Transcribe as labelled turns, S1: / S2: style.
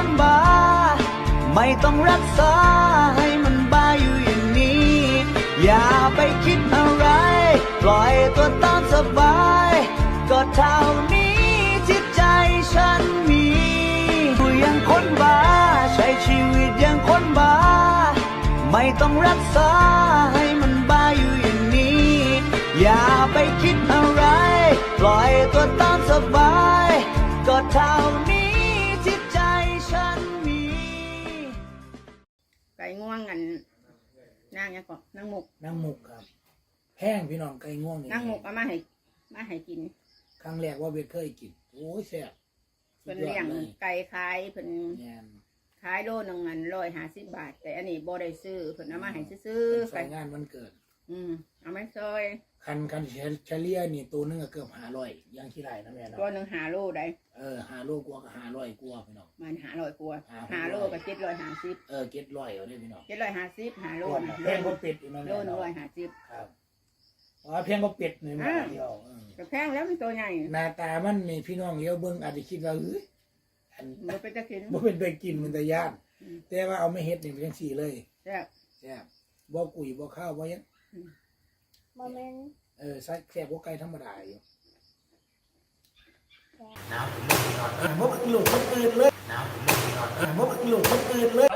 S1: คนบ้าไม่ต้องรักษาให้มันบ้าอยู่อย่างนี้อย่าไปคิดอะไรปล่อยตัวตามสบายก็เท่านี้ที่ใจฉันมีอยู่อย่างคนบ้าใช้ชีวิตอย่างคนบ้าไม่ต้องรักษาให้มันบ้าอยู่อย่างนี้อย่าไปคิดอะไรปล่อยตัวตามสบายก็เท่านี้ที่ใจฉันมี
S2: ไก่ง่วงกันนางยังก่อนนางหมก
S3: ครับแพงพี่น้องไก่ง่วงนี่
S2: นางหมกเอามาให้กิน
S3: ครั้งแรกว่าเวทเคยกินโอ้ยแซ่บ
S2: เพิ่นเลี้ยงไก่ขายเพิ่นขายโลนึงอัน150 บาทแต่อันนี้บ่ได้ซื้อเพิ่นเอามาให้ซื้อ
S3: ใส่งานวันเกิด
S2: เอามาซอย
S3: คันเฉลี่ยนี่ตัวนึงก็เกือบ500ยังขี้ไรนะแม่เนาะ
S2: ตัวนึง5 โลได้
S3: 5 โลกว่าก็500กว่าพี่น้อง
S2: มัน500กว่า5 โลก็750
S3: 700เอาได้พี่น้อง
S2: 750 5 โล
S3: แพงกว่าเป็ดอีกนะแม่
S2: โล150
S3: ครับแพงกว่าเป็ดนี่มาเดียว
S2: ก็แพงแล้วมันตัวใหญ่
S3: หน้าตามันนี่พี่น้องเลี้ยวเบิ่งอาจจะคิดว่าเฮ้ย
S2: บ่เป็นตะกิน
S3: บ่เป็นตะกินมันตะย่านแต่ว่าเอาไม่เฮ็ดนี่เป็นจังซี่เลย
S2: แซ่
S3: บบ่กุยบ่ข้าวบ่ยัง
S4: บ่แม่น
S3: ใส่แซ่บกว่าไก่ธรรมดาอยู่น้ำบ่เพิ่งลูกคนอื่นเลยน้ำบ่เพิ่งลูกคนอื่นเลย